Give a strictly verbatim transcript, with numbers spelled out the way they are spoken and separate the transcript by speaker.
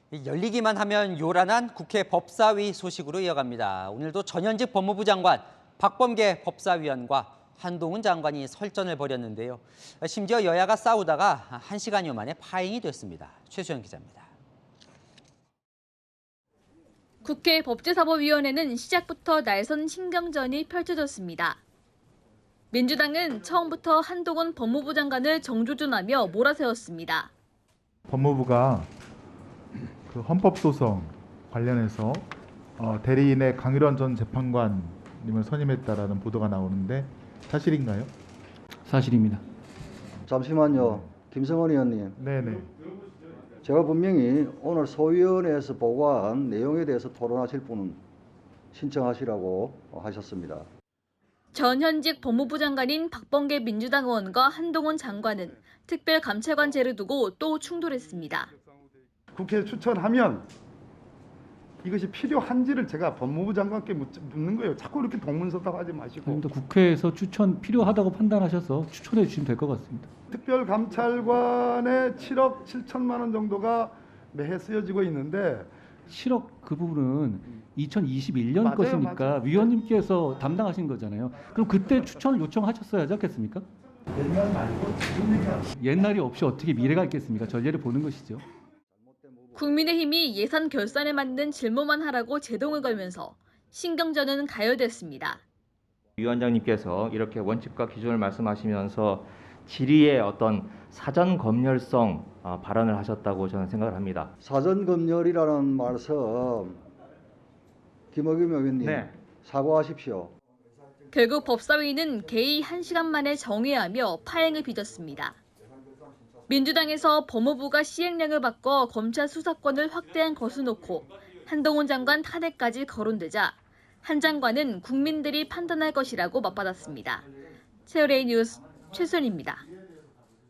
Speaker 1: 열리기만 하면 요란한 국회 법사위 소식으로 이어갑니다. 오늘도 전현직 법무부 장관, 박범계 법사위원과 한동훈 장관이 설전을 벌였는데요. 심지어 여야가 싸우다가 한 시간여 만에 파행이 됐습니다. 최수영 기자입니다.
Speaker 2: 국회 법제사법위원회는 시작부터 날선 신경전이 펼쳐졌습니다. 민주당은 처음부터 한동훈 법무부 장관을 정조준하며 몰아세웠습니다.
Speaker 3: 법무부가 그 헌법소송 관련해서 어, 대리인의 강일원 전 재판관님을 선임했다라는 보도가 나오는데 사실인가요?
Speaker 4: 사실입니다.
Speaker 5: 잠시만요. 김성원 의원님.
Speaker 3: 네네.
Speaker 5: 제가 분명히 오늘 소위원회에서 보고한 내용에 대해서 토론하실 분은 신청하시라고 하셨습니다.
Speaker 2: 전현직 법무부 장관인 박범계 민주당 의원과 한동훈 장관은 특별감찰관제를 두고 또 충돌했습니다.
Speaker 6: 국회에 추천하면 이것이 필요한지를 제가 법무부 장관께 묻는 거예요. 자꾸 이렇게 동문서답하지 마시고.
Speaker 4: 아닙니다. 국회에서 추천 필요하다고 판단하셔서 추천해 주시면 될 것 같습니다.
Speaker 6: 특별감찰관에 칠억 칠천만 원 정도가 매해 쓰여지고 있는데
Speaker 4: 칠억 그 부분은 이천이십일 년
Speaker 6: 맞아요,
Speaker 4: 것이니까
Speaker 6: 맞아요.
Speaker 4: 위원님께서 담당하신 거잖아요. 그럼 그때 추천을 요청하셨어야 하지 않겠습니까?
Speaker 6: 옛날 말고 지금 얘기하는
Speaker 4: 옛날이 없이 어떻게 미래가 있겠습니까? 전례를 보는 것이죠.
Speaker 2: 국민의힘이 예산 결산에 맞는 질문만 하라고 제동을 걸면서 신경전은 가열됐습니다.
Speaker 7: 위원장님께서 이렇게 원칙과 기준을 말씀하시면서 질의의 어떤 사전 검열성 발언을 하셨다고 저는 생각을 합니다.
Speaker 5: 사전 검열이라는 말씀 김어겸 의원님
Speaker 7: 네.
Speaker 5: 사과하십시오.
Speaker 2: 결국 법사위는 개의 한 시간 만에 정회하며 파행을 빚었습니다. 민주당에서 법무부가 시행령을 바꿔 검찰 수사권을 확대한 것을 놓고 한동훈 장관 탄핵까지 거론되자 한 장관은 국민들이 판단할 것이라고 맞받았습니다. 세월A 뉴스 최순입니다.